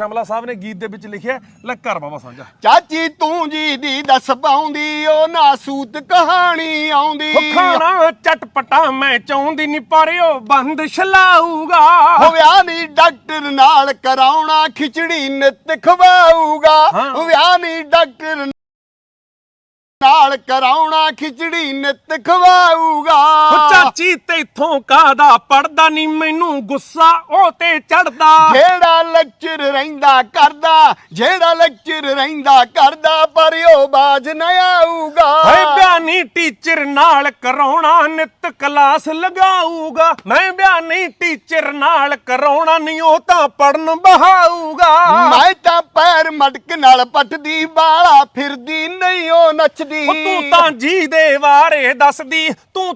ਸ਼ਮਲਾ ਸਾਹਿਬ ਨੇ ਗੀਤ ਦੇ ਵਿੱਚ ਲਿਖਿਆ। ਲੈ ਕਰ ਬਾਬਾ ਸਾਂਝਾ। ਚਾਚੀ ਤੂੰ ਜੀ ਦੀ ਦੱਸ ਪਾਉਂਦੀ ਉਹ ਨਾਸੂਤ ਕਹਾਣੀ ਆਉਂਦੀ। ਖਾਣਾ ਚਟਪਟਾ ਮੈਂ ਚਾਹੁੰਦੀ ਨਹੀਂ ਪਰ ਉਹ ਬੰਦ ਛਲਾਊਗਾ। ਵਿਆਹ ਨੀ ਡਾਕਟਰ ਨਾਲ ਕਰਾਉਣਾ ਖਿਚੜੀ ਨਿੱਤ ਖਵਾਊਗਾ। ਵਿਆਹ ਨੀ ਡਾਕਟਰ ਨਾਲ ਕਰਾਉਣਾ ਖਿਚੜੀ ਨਿੱਤ ਖਵਾਊਗਾ। ਚਾਚੀ ਤੇਥੋਂ ਕਾਦਾ ਪੜਦਾ ਨਹੀਂ ਮੈਨੂੰ ਗੁੱਸਾ ਉਹ ਤੇ ਚੜਦਾ। ਜਿਹੜਾ ਲੈਕਚਰ ਰਹਿੰਦਾ ਕਰਦਾ ਪਰ ਉਹ ਬਾਜ ਨਾ ਆਊਗਾ। ਬਿਆਨੀ ਟੀਚਰ ਨਾਲ ਕਰਾਉਣਾ ਨਿੱਤ ਕਲਾਸ ਲਗਾਊਗਾ। ਮੈਂ ਬਿਆਨੀ ਟੀਚਰ ਨਾਲ ਕਰਾਉਣਾ ਨਹੀਂ ਉਹ ਤਾਂ ਪੜਨ ਬਹਾਊਗਾ। ਮੈਂ ਤਾਂ ਪੈਰ ਮਟਕ ਨਾਲ ਪੱਟਦੀ ਬਾਲਾ ਫਿਰਦੀ ਨਹੀਂ ਉਹ ਨੱਚਦੀ। ਤੂੰ ਤਾਂ ਜੀ ਦੇ ਬਾਰੇ ਦੱਸਦੀ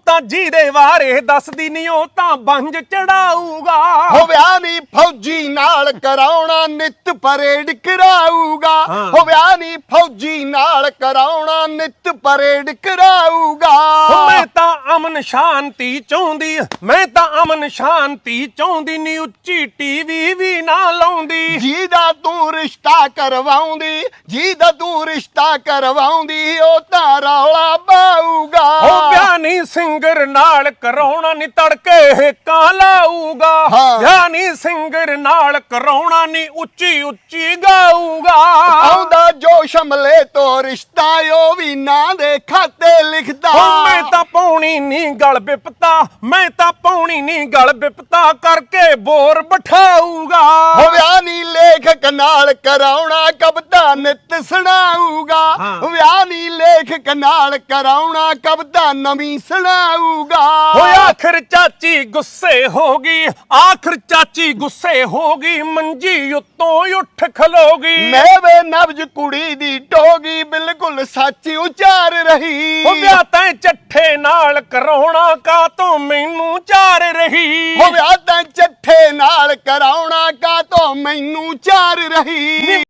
ਨਹੀਂ ਉਹ ਤਾਂ ਬੰਜ ਚੜਾਊਗਾ। ਵਿਆਹ ਨੀ ਫੌਜੀ ਨਾਲ ਕਰਾਉਣਾ ਨਿੱਤ ਪਰੇਡ ਕਰਾਊਗਾ। ਵਿਆਹ ਨੀ ਫੌਜੀ ਨਾਲ ਕਰਾਉਣਾ ਨਿੱਤ ਪਰੇਡ ਕਰਾਊਗਾ। ਮੈਂ ਤਾਂ ਅਮਨ ਸ਼ਾਂਤੀ ਚਾਹੁੰਦੀ ਨੀ ਉੱਚੀ ਟੀਵੀ ਵੀ ਨਾ ਲਾਉਂਦੀ। ਜਿਹਦਾ ਤੂੰ ਰਿਸ਼ਤਾ ਕਰਵਾਉਂਦੀ ਉਹ ਤਾਂ ਰੌਲਾ ਪਾਊਗਾ। ਬਿਆਨੀ ਸਿੰਗਰ ਨਾਲ ਕਰਾਉਣਾ ਨੀ ਤੜਕੇ ਕਾਂ ਲਾਊਗਾ। ਬਿਆਨੀ ਸਿੰਗਰ ਨਾਲ ਕਰਾਉਣਾ ਨੀ ਉੱਚੀ ਉੱਚੀ ਗਾਊਗਾ। ਆਉਂਦਾ ਜੋ ਸ਼ਮਲੇ ਤੋਂ ਰਿਸ਼ਤਾ ਉਹ ਵੀ ਨਾਂ ਦੇ ਖਾਤੇ ਲਿਖਦਾ। ਮੈਂ ਤਾਂ ਪਾਉਣੀ ਨੀ ਗਲ ਬਿਪਤਾ ਕਰਕੇ ਬੋਰ ਬਿਠਾਊਗਾ। ਵਿਆਹ ਨੀ ਲੇਖਕ ਨਾਲ ਕਰਾਉਣਾ ਕਵਿਤਾ ਨਿੱਤ ਸੁਣਾਊਗਾ। ਵਿਆਹ ਨੀ ਲੇਖਕ ਨਾਲ ਕਰਾਉਣਾ ਕਵਿਤਾ ਨਵੀਂ ਸੁਣਾਊਗਾ। ਆਖਰ ਚਾਚੀ ਗੁੱਸੇ ਹੋ ਗਈ ਮੰਜੀ ਉੱਤੋਂ ਉੱਠ ਖਲੋਗੀ। ਮੈਂ ਨਬਜ ਕੁੜੀ ਦੀ ਟੋਗੀ ਬਿਲਕੁਲ ਸੱਚ ਉਚਾਰ ਰਹੀ। ਵਿਆਹ ਤੈਂ ਚੱਠੇ ਨਾਲ ਕਰਾਉਣਾ ਕਾਤੋਂ ਮੈਨੂੰ ਚਾਰ ਰਹੀ। ਵਿਆਹ ਤੈਂ ਚੱਠੇ ਨਾਲ ਕਰਾਉਣਾ ਕਾਤੋਂ ਮੈਨੂੰ ਚਾਰ ਰਹੀ।